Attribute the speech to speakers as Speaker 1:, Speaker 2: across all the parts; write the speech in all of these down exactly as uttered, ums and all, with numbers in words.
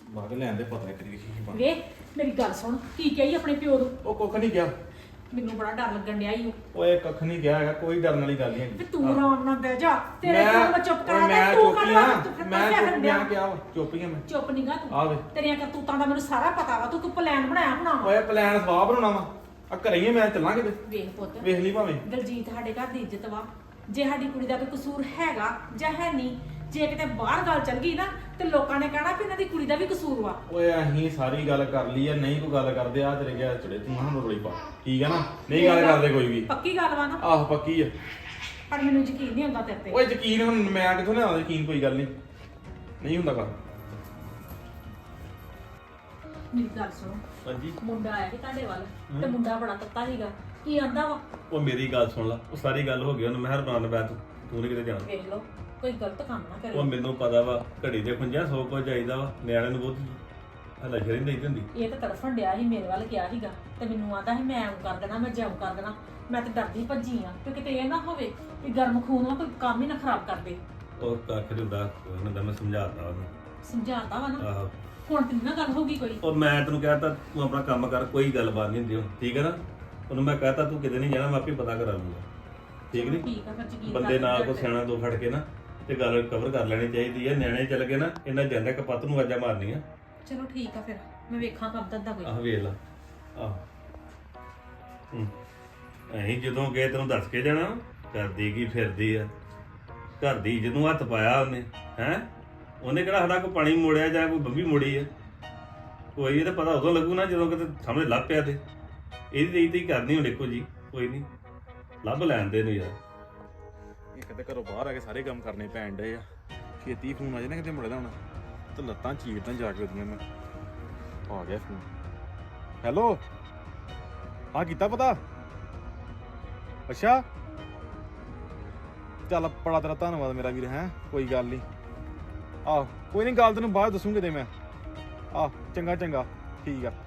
Speaker 1: ਬਾਗ ਲੈਣ ਦੇ ਪਤਾ ਕਰੀ ਕੀ ਬਣ
Speaker 2: ਵੇ ਮੇਰੀ ਗੱਲ ਸੁਣ ਕੀ ਕਹੀ ਆਪਣੇ ਪਿਓ ਨੂੰ।
Speaker 1: ਉਹ ਕੁੱਖ ਨਹੀਂ ਗਿਆ।
Speaker 2: ਮੈਨੂੰ ਬੜਾ ਡਰ ਲੱਗਣ ਡਿਆ ਈ ਉਹ।
Speaker 1: ਓਏ ਕੱਖ ਨਹੀਂ ਗਿਆ ਹੈਗਾ, ਕੋਈ ਡਰਨ ਵਾਲੀ ਗੱਲ ਨਹੀਂ
Speaker 2: ਤੇ ਤੂੰ ਆਰਾਮ ਨਾਲ ਬਹਿ ਜਾ, ਤੇਰੇ
Speaker 1: ਮੈਂ-
Speaker 2: ਕੋਲ ਮੈਂ ਚੁੱਪ ਕਰਾ
Speaker 1: ਮੈਂ
Speaker 2: ਦੇ, ਤੂੰ
Speaker 1: ਚੁੱਪੀਆਂ
Speaker 2: ਕਰ ਤੂੰ ਫਿਰ
Speaker 1: ਮੈਂ
Speaker 2: ਦੱਸਿਆ ਕਰਨ
Speaker 1: ਚੁੱਪੀਆਂ
Speaker 2: ਡਿਆ।
Speaker 1: ਕਿਹਾ ਵਾ, ਚੁੱਪੀਆਂ ਮੈਂ
Speaker 2: ਚੁੱਪ ਨੀਗਾ
Speaker 1: ਆ ਵੇ।
Speaker 2: ਤੂੰ, ਤੇਰੀਆਂ ਕਰਤੂਤਾਂ ਦਾ ਮੈਨੂੰ ਸਾਰਾ ਪਤਾ ਵਾ, ਤੂੰ ਕੋਈ ਪਲਾਨ ਬਣਾਇਆ ਹੋਣਾ ਵਾ।
Speaker 1: ਓਏ ਪਲਾਨ ਸਵਾਹ ਬਣਾਉਣਾ ਵਾ, ਆ ਘਰੇ ਹੀ ਆ, ਮੈਂ ਚੱਲਾਂ ਕਿਤੇ।
Speaker 2: ਵੇਖ ਪੁੱਤ,
Speaker 1: ਵੇਖ ਲਈ ਭਾਵੇਂ।
Speaker 2: ਦਲਜੀਤ ਸਾਡੇ ਘਰ ਦੀ ਇੱਜ਼ਤ ਵਾ। ਜੇ ਸਾਡੀ ਕੁੜੀ ਦਾ ਕੋਈ ਕਸੂਰ ਹੈਗਾ ਜਾਂ ਹੈ ਨਹੀਂ, ਜੇ ਕਿਤੇ ਬਾਹਰ ਗੱਲ ਚੱਲ ਗਈ ਨਾ ਤੇ ਲੋਕਾਂ ਨੇ ਕਹਿਣਾ ਵੀ ਇਹਨਾਂ ਦੀ ਕੁੜੀ ਦਾ ਵੀ ਕਸੂਰ ਵਾ।
Speaker 1: ਓਏ ਅਸੀਂ ਸਾਰੀ ਗੱਲ ਕਰ ਲਈ ਆ, ਨਹੀਂ ਕੋਈ ਗੱਲ ਕਰਦੇ ਆ ਤੇਰੇ ਗਿਆ ਚੜੇ ਤੂੰ ਸਾਨੂੰ ਰੋਲੀ ਪਾ, ਠੀਕ ਆ ਨਾ? ਨਹੀਂ ਗੱਲ ਕਰਦੇ ਕੋਈ ਵੀ।
Speaker 2: ਪੱਕੀ ਗੱਲ ਵਾ ਨਾ?
Speaker 1: ਆਹ ਪੱਕੀ ਆ।
Speaker 2: ਪਰ ਮੈਨੂੰ ਯਕੀਨ ਨਹੀਂ ਹੁੰਦਾ ਤੇਰੇ ਤੇ।
Speaker 1: ਓਏ ਯਕੀਨ ਹੁਣ ਮੈਂ ਕਿੱਥੋਂ ਲਿਆਉਂਦਾ ਯਕੀਨ, ਕੋਈ ਗੱਲ ਨਹੀਂ ਨਹੀਂ ਹੁੰਦਾ ਗੱਲ।
Speaker 2: ਮੇਰੀ ਗੱਲ ਸੁਣੋ,
Speaker 3: ਹਾਂਜੀ
Speaker 2: ਮੁੰਡਾ ਆਇਆ ਸੀ ਤੁਹਾਡੇ ਵੱਲ ਤੇ ਮੁੰਡਾ ਬੜਾ ਤੱਤਾ ਸੀਗਾ, ਕੀ ਆਂਦਾ ਵਾ?
Speaker 3: ਉਹ ਮੇਰੀ ਗੱਲ ਸੁਣ ਲਾ, ਉਹ ਸਾਰੀ ਗੱਲ ਹੋ ਗਈ, ਉਹਨੂੰ ਮਿਹਰਬਾਨ ਬੈ ਤੂੰ ਤੂੰ ਨਹੀਂ ਕਿਤੇ ਜਾਣਾ।
Speaker 2: ਵੇਖ ਲਓ ਕੋਈ ਗਲਤ ਕੰਮ ਨਾ
Speaker 3: ਉਹ
Speaker 2: ਕਰੇ।
Speaker 3: ਮੈਨੂੰ ਪਤਾ ਵਾ ਘੜੀ ਦੇ ਖੁੰਝਾਂ ਸੌ ਕੁਝ ਚਾਹੀਦਾ ਵਾ, ਨਿਆਣੇ ਨੂੰ ਬਹੁਤ ਹਲਸ਼ਰੀ ਨਹੀਂ ਦੇਈ ਹੁੰਦੀ।
Speaker 2: ਇਹ ਤਾਂ ਤੜਫਣ ਡਿਆ ਸੀ, ਮੇਰੇ ਵੱਲ ਗਿਆ ਸੀਗਾ ਤੇ ਮੈਨੂੰ ਆਂਦਾ ਸੀ ਮੈਂ ਐਂ ਕਰ ਦੇਣਾ, ਮੈਂ ਜਿਉਂ ਕਰ ਦੇਣਾ। ਮੈਂ ਤੇ ਡਰਦੀ ਭੱਜੀ ਆ ਕਿ ਕਿਤੇ ਇਹ ਨਾ ਹੋਵੇ ਕਿ ਗਰਮ ਖੂਨ ਨਾਲ ਕੋਈ ਕੰਮ ਹੀ ਨਾ ਖਰਾਬ ਕਰ ਦੇ।
Speaker 3: ਉਹ ਕੱਖ ਨੀ ਹੁੰਦਾ, ਉਹਨਾਂ ਦਾ ਮੈਂ ਸਮਝਾਤਾ ਉਹਨੂੰ।
Speaker 2: ਸਮਝਾਤਾ ਵਾ ਨਾ,
Speaker 3: ਆਹੋ
Speaker 2: ਹੁਣ ਤੇ ਨੀ ਨਾ ਗੱਲ ਹੋਗੀ ਕੋਈ।
Speaker 3: ਉਹ ਮੈਂ ਤੈਨੂੰ ਕਹਿਤਾ ਤੂੰ ਆਪਣਾ ਕੰਮ ਕਰ, ਕੋਈ ਗੱਲਬਾਤ ਨਹੀਂ ਹੁੰਦੀ ਹੁਣ, ਠੀਕ ਹੈ ਨਾ? ਉਹਨੂੰ ਮੈਂ ਕਹਤਾ ਤੂੰ ਕਿਤੇ ਨਹੀਂ ਜਾਣਾ, ਮੈਂ ਆਪੇ ਪਤਾ ਕਰਾ ਲੂੰਗਾ, ਠੀਕ ਨਹੀਂ?
Speaker 2: ਠੀਕ ਆ ਫਿਰ ਯਕੀਨ
Speaker 3: ਬੰਦੇ
Speaker 2: ਕਰ
Speaker 3: ਨਾਲ
Speaker 2: ਲੈ।
Speaker 3: ਕੋ ਸਿਆਣਾ ਦੋ ਫੜ ਕੇ ਨਾ ਤੇ ਗੱਲ ਕਵਰ ਕਰ ਲੈਣੀ ਚਾਹੀਦੀ ਹੈ। ਨਿਆਣੇ ਚੱਲ ਗਏ ਨਾ, ਇਹਨਾਂ ਜਾਂਦਾ ਕਪੱਤ ਨੂੰ ਆਜਾ ਮਾਰਨੀਆਂ।
Speaker 2: ਚਲੋ ਠੀਕ ਆ ਫਿਰ ਮੈਂ ਵੇਖਾਂ ਕਬ ਤੱਕ ਦਾ ਕੋਈ।
Speaker 3: ਆਹ ਵੇਖ ਲਾ ਆਹ ਹੂੰ ਅਸੀਂ ਜਦੋਂ ਗਏ ਤੈਨੂੰ ਦੱਸ ਕੇ ਜਾਣਾ, ਕਰਦੀ ਕੀ ਫਿਰਦੀ ਆ ਘਰ ਦੀ ਜਦੋਂ ਹੱਥ ਪਾਇਆ ਉਹਨੇ ਹੈ ਉਹਨੇ ਕਿਹੜਾ ਸਾਡਾ ਕੋਈ ਪਾਣੀ ਮੋੜਿਆ ਜਾਂ ਕੋਈ ਬੰਬੀ ਮੋੜੀ ਆ? ਕੋਈ ਇਹ ਤਾਂ ਪਤਾ ਉਦੋਂ ਲੱਗੂ ਨਾ ਜਦੋਂ ਕਿਤੇ ਸਾਹਮਣੇ ਲੱਭ ਪਿਆ ਤੇ ਇਹਦੀ ਤੇ ਹੀ ਕਰਨੀ ਹੁਣ ਦੇਖੋ ਜੀ, ਕੋਈ ਨਹੀਂ ਲੱਭ ਲੈਣ ਦੇ ਨੂੰ ਯਾਰ।
Speaker 1: ਇੱਕ ਤੇ ਘਰੋਂ ਬਾਹਰ ਆ ਕੇ ਸਾਰੇ ਕੰਮ ਕਰਨੇ ਪੈਣ ਡਏ ਆ, ਛੇਤੀ ਫੋਨ ਆ ਜਾਣਾ ਕਿਤੇ ਮੁੜੇ ਦਾ ਹੁਣ ਤੇ ਲੱਤਾਂ ਚੀਰਦਾਂ ਜਾ ਕੇ ਉਹਦੀਆਂ। ਮੈਂ ਆ ਗਿਆ ਫੋਨ। ਹੈਲੋ, ਹਾਂ ਕੀਤਾ ਪਤਾ? ਅੱਛਾ ਚੱਲ ਬੜਾ ਤੇਰਾ ਧੰਨਵਾਦ ਮੇਰਾ ਵੀਰ। ਹੈ ਕੋਈ ਗੱਲ ਨਹੀਂ, ਆਹ ਕੋਈ ਨਹੀਂ, ਗੱਲ ਤੈਨੂੰ ਬਾਅਦ ਦੱਸੂਗੇ ਤੇ ਮੈਂ। ਆਹ ਚੰਗਾ ਚੰਗਾ ਠੀਕ ਆ।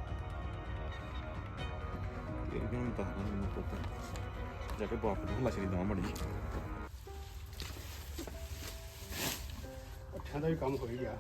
Speaker 1: ਇਹ ਵੀ ਹੁਣ ਦੱਸਦਾ ਮੈਨੂੰ ਪੁੱਤ ਜਾ ਕੇ ਬਾਪ ਨੂੰ ਹਲਾਸ਼ਰੀ ਦਵਾਂ ਮੜੀ।
Speaker 4: ਉੱਠਾਂ ਦਾ ਵੀ ਕੰਮ ਹੋ ਹੀ ਗਿਆ।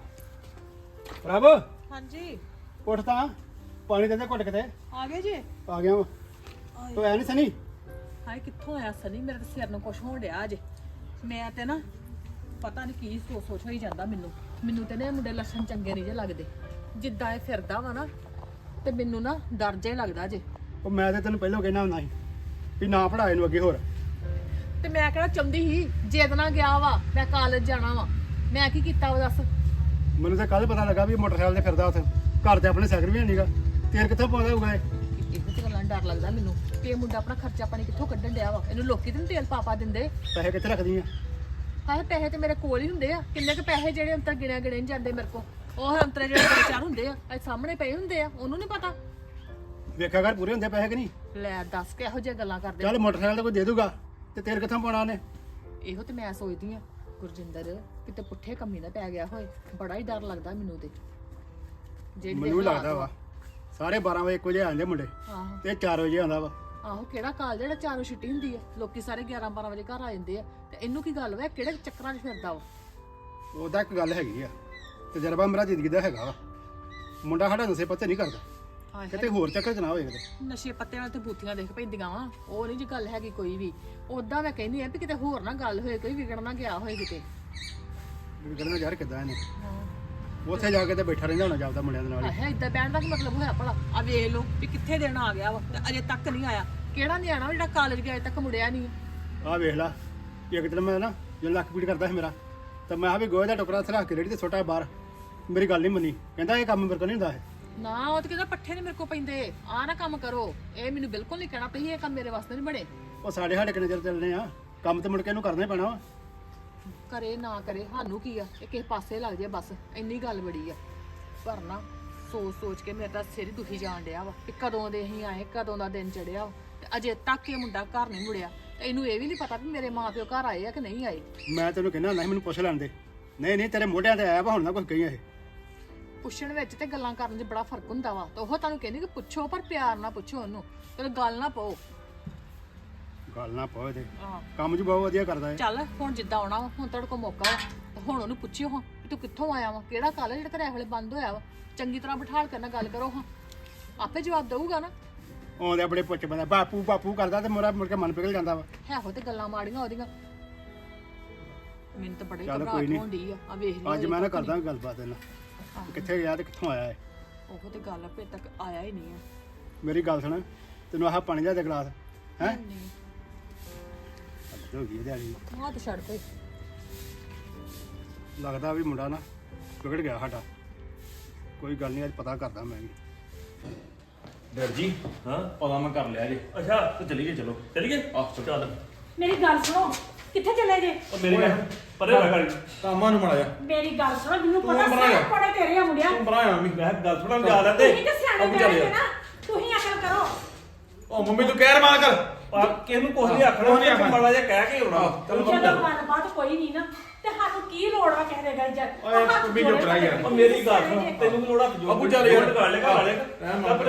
Speaker 4: ਪ੍ਰਭ
Speaker 5: ਹਾਂਜੀ
Speaker 4: ਉੱਠ ਤਾਂ, ਪਾਣੀ ਦੇ ਦੇ ਘੁੱਟ ਕਿਤੇ।
Speaker 5: ਆ ਗਏ ਜੀ।
Speaker 4: ਆ ਗਿਆ ਵਾ ਤੂੰ ਐ ਨਹੀਂ ਸਨੀ?
Speaker 5: ਹਾਏ ਕਿੱਥੋਂ ਆਇਆ ਸਨੀ, ਮੇਰੇ ਤੇ ਸਿਰ ਨੂੰ ਕੁਛ ਹੋਣ ਡਿਆ ਅਜੇ। ਮੈਂ ਤੇ ਨਾ ਪਤਾ ਨਹੀਂ ਕੀ ਸੋਚ ਸੋਚ ਹੋਈ ਜਾਂਦਾ ਮੈਨੂੰ ਮੈਨੂੰ ਤੇ ਨਾ ਇਹ ਮੁੰਡੇ ਲੱਛਣ ਚੰਗੇ ਨਹੀਂ ਜੇ ਲੱਗਦੇ, ਜਿੱਦਾਂ ਇਹ ਫਿਰਦਾ ਵਾ ਨਾ ਤੇ ਮੈਨੂੰ ਨਾ ਡਰ ਜੇ ਲੱਗਦਾ ਜੇ।
Speaker 4: ਉਹ ਮੈਂ ਤੇ ਤੈਨੂੰ ਪਹਿਲਾਂ ਕਹਿਣਾ ਹੁੰਦਾ ਸੀ ਵੀ ਨਾ ਪੜਾ ਇਹਨੂੰ ਅੱਗੇ ਹੋਰ।
Speaker 5: ਤੇ ਮੈਂ ਕਿਹੜਾ ਚਾਹੁੰਦੀ ਸੀ ਜਿੱਦ ਨਾਲ ਗਿਆ ਵਾ, ਮੈਂ ਕਾਲਜ ਜਾਣਾ ਵਾ, ਮੈਂ ਕੀ ਕੀਤਾ ਵਾ ਦੱਸ?
Speaker 4: ਮੈਨੂੰ ਤਾਂ ਕੱਲ ਪਤਾ ਲੱਗਾ ਵੀ ਇਹ ਮੋਟਰਸਾਈਕਲ ਤੇ ਫਿਰਦਾ ਉੱਥੇ, ਘਰ ਤੇ ਆਪਣੇ ਸਾਈਕਲ ਵੀ ਹੈ ਨਹੀਂਗਾ। ਤੇਲ ਕਿੱਥੋਂ ਪਾਉਂਦਾ ਹੋਊਗਾ ਇਹ?
Speaker 5: ਇਹੋ ਤੇ ਗੱਲਾਂ ਡਰ ਲੱਗਦਾ ਮੈਨੂੰ ਕਿ ਇਹ ਮੁੰਡਾ ਆਪਣਾ ਖਰਚਾ ਪਾਣੀ ਕਿੱਥੋਂ ਕੱਢਣ ਡਿਆ ਵਾ। ਇਹਨੂੰ ਲੋਕੀ ਤੇ ਨੀ ਤੇਲ ਪਾ ਪਾ ਦਿੰਦੇ।
Speaker 4: ਪੈਸੇ ਕਿੱਥੇ ਰੱਖਦੀ ਆ?
Speaker 5: ਹਾਏ ਪੈਸੇ ਤੇ ਮੇਰੇ ਕੋਲ ਹੀ ਹੁੰਦੇ ਆ, ਕਿੰਨੇ ਕੁ ਪੈਸੇ ਜਿਹੜੇ ਅੰਤਰ ਗਿਣਿਆ ਗਿਣੇ ਨੀ ਜਾਂਦੇ ਮੇਰੇ ਕੋਲ। ਉਹ ਅੰਤਰੇ ਜਿਹੜੇ ਦੋ ਚਾਰ ਹੁੰਦੇ ਆ ਇਹ ਸਾਹਮਣੇ ਪਏ ਹੁੰਦੇ ਆ, ਉਹਨੂੰ ਨਹੀਂ ਪਤਾ।
Speaker 4: ਵੇਖਿਆ ਕਰ ਪੂਰੇ ਹੁੰਦੇ ਪੈਸੇ ਕਿ ਨਹੀਂ?
Speaker 5: ਲੈ ਦੱਸ ਕੇ ਇਹੋ ਜਿਹੀਆਂ ਗੱਲਾਂ ਕਰਦੇ।
Speaker 4: ਚੱਲ ਮੋਟਰਸਾਈਕਲ ਤਾਂ ਕੋਈ ਦੇ ਦੂਗਾ ਤੇ ਤੇਲ ਕਿੱਥੋਂ ਪਾਉਣਾ ਉਹਨੇ?
Speaker 5: ਇਹੋ ਤੇ ਮੈਂ ਸੋਚਦੀ ਆ ਗੁਰਜਿੰਦਰ ਕਿਤੇ ਪੁੱਠੇ ਕੰਮੀ ਨਾ ਪੈ ਗਿਆ ਹੋਏ, ਬੜਾ ਹੀ ਡਰ ਲੱਗਦਾ ਮੈਨੂੰ ਤੇ। ਜਿਹੜੇ
Speaker 4: ਮੈਨੂੰ ਵੀ
Speaker 5: ਹਾਲਾਤ
Speaker 4: ਲੱਗਦਾ ਵਾ ਸਾਰੇ ਬਾਰਾਂ ਵਜੇ ਇੱਕ ਵਜੇ ਆਉਂਦੇ ਮੁੰਡੇ
Speaker 5: ਆਹੋ
Speaker 4: ਤੇ ਚਾਰ ਵਜੇ ਆਉਂਦਾ ਵਾ।
Speaker 5: ਆਹੋ ਕਿਹੜਾ ਕਾਲ ਜਿਹੜਾ ਚਾਰੋਂ ਛੁੱਟੀ ਹੁੰਦੀ ਆ, ਲੋਕੀ ਸਾਰੇ ਗਿਆਰਾਂ ਬਾਰਾਂ ਵਜੇ ਘਰ ਆ ਜਾਂਦੇ ਆ, ਤੇ ਇਹਨੂੰ ਕੀ ਗੱਲ ਵਾ, ਕਿਹੜੇ ਚੱਕਰਾਂ 'ਚ ਫਿਰਦਾ ਵਾ?
Speaker 4: ਉਹਦਾ ਇੱਕ ਗੱਲ ਹੈਗੀ ਆ, ਤਜਰਬਾ ਮੇਰਾ ਜ਼ਿੰਦਗੀ ਦਾ ਹੈਗਾ ਵਾ। ਮੁੰਡਾ ਸਾਡਾ ਨਸ਼ੇ ਪੱਤੇ ਨਹੀਂ ਕਰਦਾ,
Speaker 5: ਹਾਏ
Speaker 4: ਕਿਤੇ ਹੋਰ ਚੱਕਰ ਚ ਨਾ ਹੋਏ ਕਿਤੇ।
Speaker 5: ਨਸ਼ੇ ਪੱਤੇ ਨਾਲ ਤੇ ਬੂਥੀਆਂ ਦੇਖ ਪੈਂਦੀਆਂ ਵਾ, ਉਹ ਨਹੀਂ ਜੀ ਗੱਲ ਹੈਗੀ ਕੋਈ ਵੀ। ਉਦਾਂ ਮੈਂ ਕਹਿੰਦੀ ਆ ਵੀ ਕਿਤੇ ਹੋਰ ਨਾ ਗੱਲ ਹੋਏ, ਕੋਈ ਵਿਗੜ ਨਾ ਗਿਆ ਹੋਏ ਕਿਤੇ।
Speaker 4: ਵਿਗੜਨਾ ਯਾਰ ਕਿੱਦਾਂ ਇਹਨੇ? ਉੱਥੇ ਜਾ ਕੇ ਤੇ ਬੈਠਾ ਰਹਿੰਦਾ ਹੋਣਾ ਜਾਂਦਾ ਮੁੰਡਿਆਂ ਦੇ ਨਾਲ ਹੀ।
Speaker 5: ਆਹ ਇਦਾਂ ਬਹਿਣ ਦਾ ਕੀ ਮਤਲਬ ਹੋਇਆ ਭਲਾ? ਆ ਵੇਖ ਲਓ ਵੀ ਕਿੱਥੇ ਦੇਣ ਆ ਗਿਆ ਵਾ ਤੇ ਅਜੇ ਤੱਕ ਨਹੀਂ ਆਇਆ। ਕਿਹੜਾ ਨਿਆਣਾ ਜਿਹੜਾ ਕਾਲਜ ਗਿਆ ਅਜੇ ਤੱਕ ਮੁੜਿਆ ਨਹੀਂ।
Speaker 4: ਆਹ ਵੇਖ ਲਾ, ਇੱਕ ਦਿਨ ਮੈਂ ਨਾ ਜਦੋਂ ਲੱਕ ਪੀੜ ਕਰਦਾ ਸੀ ਮੇਰਾ, ਤਾਂ ਮੈਂ ਆ ਵੀ ਗੋਹੇ ਦਾ ਟੁਕੜਾ ਉੱਥੇ ਰੱਖ ਕੇ ਰੇੜੀ ਤੇ ਸੁੱਟਾ ਬਾਹਰ। ਮੇਰੀ ਗੱਲ ਨਹੀਂ ਮੰਨੀ, ਕਹਿੰਦਾ ਇਹ ਕੰਮ ਮੇਰੇ ਕੋਲ ਨਹੀਂ ਹੁੰਦਾ ਇਹ।
Speaker 5: ਨਾ ਉਹ ਤੇ ਕਹਿੰਦਾ ਪੱਠੇ ਨਹੀਂ ਮੇਰੇ ਕੋ ਪੈਂਦੇ, ਆ ਨਾ ਕੰਮ ਕਰੋ। ਇਹ ਮੈਨੂੰ ਬਿਲਕੁਲ ਨਹੀਂ ਕਹਿਣਾ ਪਈ ਇਹ ਕੰਮ ਮੇਰੇ ਵਾਸਤੇ ਨਹੀਂ ਬਣੇ।
Speaker 4: ਉਹ ਸਾਡੇ ਸਾਡੇ ਕਿੰਨੇ ਚਿਰ ਚੱਲਣੇ ਆ, ਕੰਮ ਤੇ ਮੁੜ ਕੇ ਇਹਨੂੰ ਕਰਨਾ ਹੀ ਪੈਣਾ ਵਾ।
Speaker 5: ਕਰੇ ਨਾ ਕਰੇ ਸਾਨੂੰ ਕੀ ਆ, ਇਹ ਕਿਸੇ ਪਾਸੇ ਲੱਗ ਜਾਏ ਬਸ, ਇੰਨੀ ਗੱਲ ਬੜੀ ਆ। ਪਰ ਨਾ ਸੋਚ ਸੋਚ ਕੇ ਮੇਰਾ ਤਾਂ ਸਿਰ ਹੀ ਦੁਖੀ ਜਾਣ ਡਿਆ ਵਾ ਕਿ ਕਦੋਂ ਦੇ ਅਸੀਂ ਆਏ, ਕਦੋਂ ਦਾ ਦਿਨ ਚੜਿਆ ਤੇ ਅਜੇ ਤੱਕ ਇਹ ਮੁੰਡਾ ਘਰ ਨਹੀਂ ਮੁੜਿਆ। ਤੇ ਇਹਨੂੰ ਇਹ ਵੀ ਨਹੀਂ ਪਤਾ ਵੀ ਮੇਰੇ ਮਾਂ ਪਿਓ ਘਰ ਆਏ ਆ ਕਿ ਨਹੀਂ ਆਏ।
Speaker 4: ਮੈਂ ਤੈਨੂੰ ਕਹਿੰਦਾ ਹੁੰਦਾ ਸੀ ਮੈਨੂੰ ਪੁੱਛ ਲੈਣ ਦੇ। ਨਹੀਂ ਨਹੀਂ ਤੇਰੇ ਮੋਢਿਆਂ ਤੇ ਆਇਆ ਵਾ, ਹੁਣ ਨਾ ਕੁਝ ਕਹੀ ਇਹ।
Speaker 5: ਪੁੱਛਣ ਵਿੱਚ ਤੇ ਗੱਲਾਂ ਕਰਨ 'ਚ ਬੜਾ ਫਰਕ ਹੁੰਦਾ ਵਾ। ਤੇ ਉਹ ਤੁਹਾਨੂੰ ਕਹਿੰਦੀ ਕਿ ਪੁੱਛੋ ਪਰ ਪਿਆਰ ਨਾਲ ਪੁੱਛੋ ਉਹਨੂੰ, ਤੇ ਗੱਲ ਨਾ ਪਾਓ।
Speaker 4: ਗੱਲ ਨਾ ਪਾਓ ਇਹਦੇ,
Speaker 5: ਹਾਂ
Speaker 4: ਕੰਮ 'ਚ ਬਹੁਤ ਵਧੀਆ ਕਰਦਾ ਇਹ।
Speaker 5: ਚੱਲ ਹੁਣ ਜਿੱਦਾਂ ਆਉਣਾ ਵਾ, ਹੁਣ ਤੁਹਾਡੇ ਕੋਲ ਮੌਕਾ ਵਾ, ਤੇ ਹੁਣ ਉਹਨੂੰ ਪੁੱਛਿਓ ਹਾਂ ਕਿ ਤੂੰ ਕਿੱਥੋਂ ਆਇਆ ਵਾ ਕਿਹੜਾ ਕਾਲਜ ਜਿਹੜਾ ਤੇਰੇ ਵੇਲੇ ਬੰਦ ਹੋਇਆ ਵਾ ਚੰਗੀ ਤਰ੍ਹਾਂ ਬਿਠਾਲ ਕੇ ਨਾਲ ਗੱਲ ਕਰੋ ਹਾਂ ਆਪੇ ਜਵਾਬ ਦਊਗਾ ਨਾ
Speaker 4: ਆਉਂਦੇ ਬੜੇ ਪੁੱਛ ਬੰਦਾ ਬਾਪੂ ਬਾਪੂ ਕਰਦਾ ਤੇ ਮੇਰਾ ਮੁੜ ਕੇ ਮਨ ਪਿਘਲ ਜਾਂਦਾ ਵਾ
Speaker 5: ਹੈ ਹੋ ਤੇ ਗੱਲਾਂ ਮਾੜੀਆਂ ਉਹਦੀਆਂ ਮੈਨੂੰ ਤਾਂ ਬੜੀ
Speaker 4: ਚੱਲ ਕੋਈ
Speaker 5: ਘਬਰਾਹਟ
Speaker 4: ਨੀ।
Speaker 5: ਹੋਣ ਡਈ ਆ ਆ ਵੇਖ ਲਈ
Speaker 4: ਅੱਜ ਮੈਂ ਨਾ ਕਰਦਾ ਗੱਲਬਾਤ ਇਹਨਾਂ
Speaker 5: ਆਹੋ।
Speaker 4: ਕਿੱਥੇ ਗਿਆ ਤੇ ਕਿੱਥੋਂ ਆਇਆ ਹੈ
Speaker 5: ਉਹ ਤੇ ਗੱਲ ਆਪੇ ਤੱਕ ਆਇਆ ਹੀ ਨਹੀਂ ਆ
Speaker 4: ਮੇਰੀ ਗੱਲ ਸੁਣ ਤੈਨੂੰ ਆਹ ਪਾਣੀ ਲਿਆ ਦੇ ਗਲਾਸ ਹੈ
Speaker 5: ਨਹੀਂ
Speaker 4: ਹੋ ਗਈ ਦਿਹਾੜੀ
Speaker 5: ਆਹ ਤੇ ਛੱਡ ਪਈ
Speaker 4: ਲੱਗਦਾ ਵੀ ਮੁੰਡਾ ਨਾ ਵਿਗੜ ਗਿਆ ਸਾਡਾ ਕੋਈ ਗੱਲ ਨਹੀਂ ਅੱਜ ਪਤਾ ਕਰਦਾ ਮੈਂ ਵੀ
Speaker 1: ਡਰ ਜੀ
Speaker 3: ਹਾਂ
Speaker 1: ਪਤਾ ਮੈਂ ਕਰ ਲਿਆ ਜੀ
Speaker 3: ਅੱਛਾ
Speaker 1: ਤੇ ਚਲੀਏ ਚਲੋ
Speaker 3: ਚਲੀਏ
Speaker 1: ਆਹ ਚਲੋ।
Speaker 3: ਚੱਲ
Speaker 2: ਮੇਰੀ ਗੱਲ ਸੁਣੋ ਕਿੱਥੇ ਚਲੇ ਜੇ
Speaker 3: ਉਹ ਮੇਰੀ ਗੱਲ ਪਰੇ ਰੱਖ ਗਾੜੀ
Speaker 1: ਕਾਮਾਂ ਨੂੰ ਮੜਾ ਜਾ
Speaker 2: ਮੇਰੀ ਗੱਲ ਸੁਣੋ ਮੈਨੂੰ
Speaker 1: ਤੂੰ
Speaker 2: ਪਤਾ
Speaker 1: ਬਣਾਇਆ।
Speaker 2: ਸਾਰੇ ਕੋੜੇ ਤੇਰੇ ਆ ਮੁੰਡਿਆ
Speaker 1: ਤੂੰ ਬਣਾਇਆ ਮੰਮੀ
Speaker 3: ਮੈਂ ਕਿਹਾ ਗੱਲ ਥੋੜਾ ਜਾ ਲੈਂਦੇ
Speaker 2: ਤੁਸੀਂ ਤੇ ਸਿਆਣੇ
Speaker 1: ਅਬੂ ਚੱਲ
Speaker 2: ਬੈਠੇ
Speaker 1: ਯਾਰ।
Speaker 2: ਨਾ ਤੁਸੀਂ ਅਕਲ ਕਰੋ
Speaker 1: ਉਹ ਮੰਮੀ ਤੂੰ ਕਹਿ ਰਮਾਨ ਕਰ
Speaker 3: ਆ ਕਿਸ ਨੂੰ ਕੁਝ ਨਹੀਂ ਆਖਣਾ
Speaker 1: ਕੁਛ ਨੀ
Speaker 3: ਉਹਨੇ
Speaker 1: ਆਖਣਾ।
Speaker 3: ਮਾੜਾ ਜਿਹਾ ਕਹਿ ਕੇ ਆਉਣਾ
Speaker 1: ਚਲੋ
Speaker 2: ਜਦੋਂ ਮਨਪਾਤ ਕੋਈ ਨਹੀਂ ਨਾ ਤੇ ਸਾਨੂੰ ਕੀ ਲੋੜ ਵਾ ਕਿਸੇ ਦੇ ਗੱਲ ਚ
Speaker 1: ਓਏ ਮੰਮੀ ਚੁੱਪ ਰਹਿ ਯਾਰ।
Speaker 3: ਉਹ ਮੇਰੀ ਗੱਲ ਸੁਣ ਤੈਨੂੰ ਵੀ ਲੋੜਾ ਜੋ
Speaker 1: ਅਬੂ ਚੱਲ ਯਾਰ।
Speaker 3: ਕਰ ਲੈ ਕਰ ਲੈ
Speaker 1: ਰਹਿਣ ਮਾਰ।